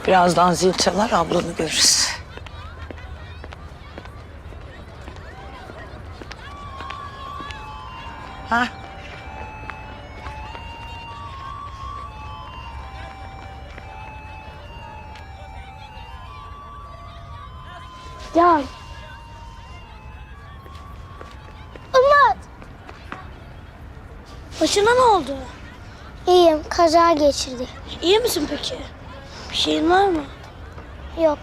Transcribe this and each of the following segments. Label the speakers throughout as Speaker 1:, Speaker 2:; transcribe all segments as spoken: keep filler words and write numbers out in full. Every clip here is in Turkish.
Speaker 1: Birazdan zil çalar, ablanı görürüz. Ha?
Speaker 2: Can. Umut.
Speaker 3: Başına ne oldu?
Speaker 2: İyiyim. Kaza geçirdi.
Speaker 3: İyi misin peki? Bir şeyin var mı?
Speaker 2: Yok.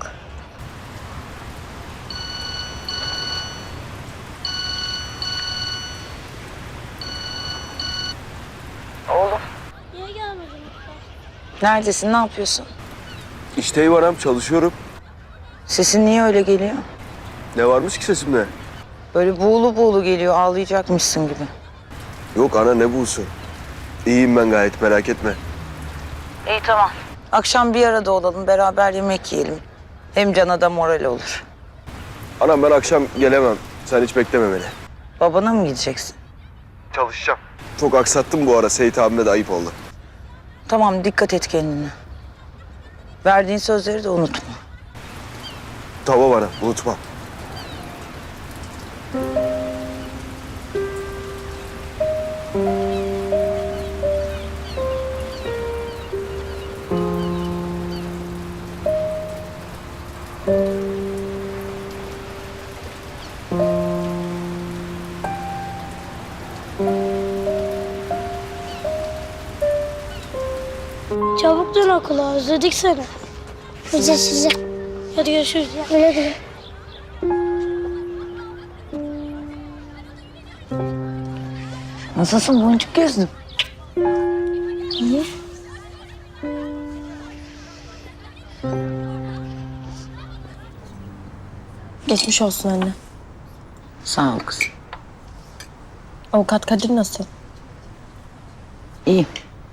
Speaker 3: Niye gelmedin?
Speaker 1: Neredesin, ne yapıyorsun?
Speaker 4: İşteyim anam, çalışıyorum.
Speaker 1: Sesin niye öyle geliyor?
Speaker 4: Ne varmış ki sesimde?
Speaker 1: Böyle buğulu buğulu geliyor, ağlayacakmışsın gibi.
Speaker 4: Yok ana, ne buğusu? İyiyim ben gayet, merak etme.
Speaker 1: İyi, tamam. Akşam bir arada olalım, beraber yemek yiyelim. Hem Can'a da moral olur.
Speaker 4: Anam ben akşam gelemem. Sen hiç bekleme beni.
Speaker 1: Babana mı gideceksin?
Speaker 4: Çalışacağım. Çok aksattım bu ara. Seyit abime de ayıp oldu.
Speaker 1: Tamam, dikkat et kendine. Verdiğin sözleri de unutma.
Speaker 4: Tamam ana, unutma.
Speaker 3: Çabuk dön okula, özledik seni.
Speaker 2: Bize size.
Speaker 3: Hadi görüşürüz.
Speaker 2: Güle güle.
Speaker 1: Nasılsın boncuk gözlüm?
Speaker 3: İyi.
Speaker 5: Geçmiş olsun anne.
Speaker 1: Sağ ol kızım.
Speaker 5: Avukat Kadir nasıl?
Speaker 1: İyi.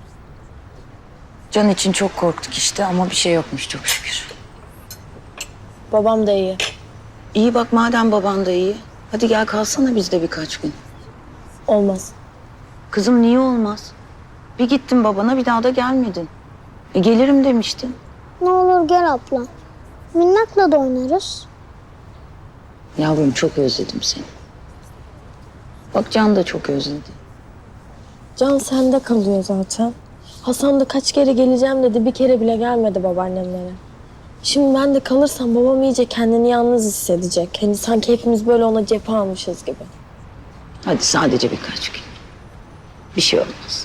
Speaker 1: Can için çok korktuk işte ama bir şey yokmuş çok şükür.
Speaker 5: Babam da iyi.
Speaker 1: İyi bak, madem baban da iyi. Hadi gel kalsana bizde birkaç gün.
Speaker 5: Olmaz.
Speaker 1: Kızım niye olmaz? Bir gittin babana, bir daha da gelmedin. E, gelirim demiştin.
Speaker 2: Ne olur gel abla. Minnakla da oynarız.
Speaker 1: Yavrum çok özledim seni. Bak Can da çok özledi.
Speaker 5: Can sende kalıyor zaten. Hasan da kaç kere geleceğim dedi. Bir kere bile gelmedi babaannemlere. Şimdi ben de kalırsam babam iyice kendini yalnız hissedecek. Hani sanki hepimiz böyle ona cephe almışız gibi.
Speaker 1: Hadi sadece birkaç gün. Bir şey olmaz.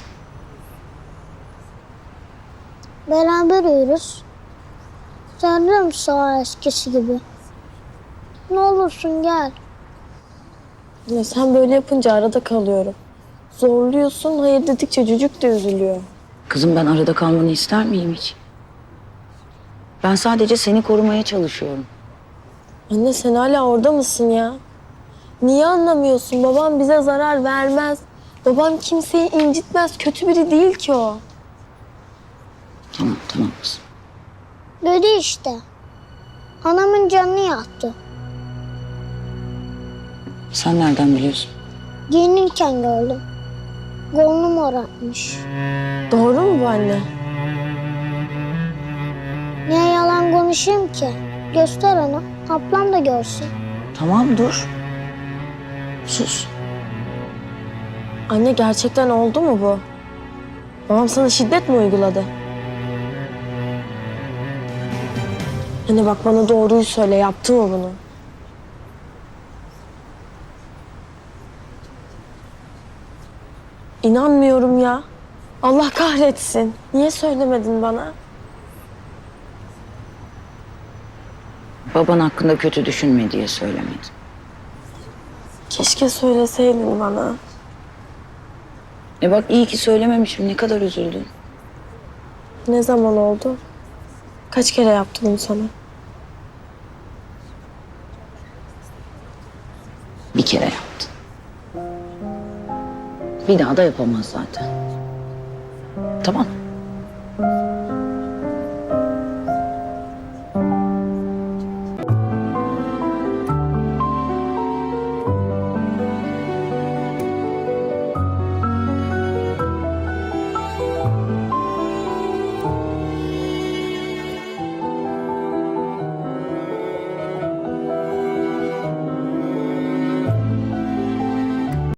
Speaker 2: Beraber uyuruz. Sarılırım sağa eskisi gibi. Ne olursun gel.
Speaker 5: Ya sen böyle yapınca arada kalıyorum. Zorluyorsun, hayır dedikçe cücük de üzülüyor.
Speaker 1: Kızım ben arada kalmanı ister miyim hiç? Ben sadece seni korumaya çalışıyorum.
Speaker 5: Anne sen hala orada mısın ya? Niye anlamıyorsun? Babam bize zarar vermez. Babam kimseyi incitmez. Kötü biri değil ki o.
Speaker 1: Tamam tamam kızım.
Speaker 2: Dedi işte. Anamın canını yaktı.
Speaker 1: Sen nereden biliyorsun?
Speaker 2: Giyinirken gördüm. Kolunu morartmış.
Speaker 5: Doğru mu bu anne?
Speaker 2: Niye yalan konuşayım ki? Göster onu. Ablam da görsün.
Speaker 1: Tamam dur. Sus.
Speaker 5: Anne gerçekten oldu mu bu? Babam sana şiddet mi uyguladı? Anne bak bana doğruyu söyle. Yaptı mı bunu? İnanmıyorum ya. Allah kahretsin. Niye söylemedin bana?
Speaker 1: Baban hakkında kötü düşünme diye söylemedim.
Speaker 5: Keşke söyleseydin bana.
Speaker 1: E bak iyi ki söylememişim. Ne kadar üzüldün.
Speaker 5: Ne zaman oldu? Kaç kere yaptı bunu sana?
Speaker 1: Bir kere yaptın. Bir daha da yapamaz zaten. Tamam.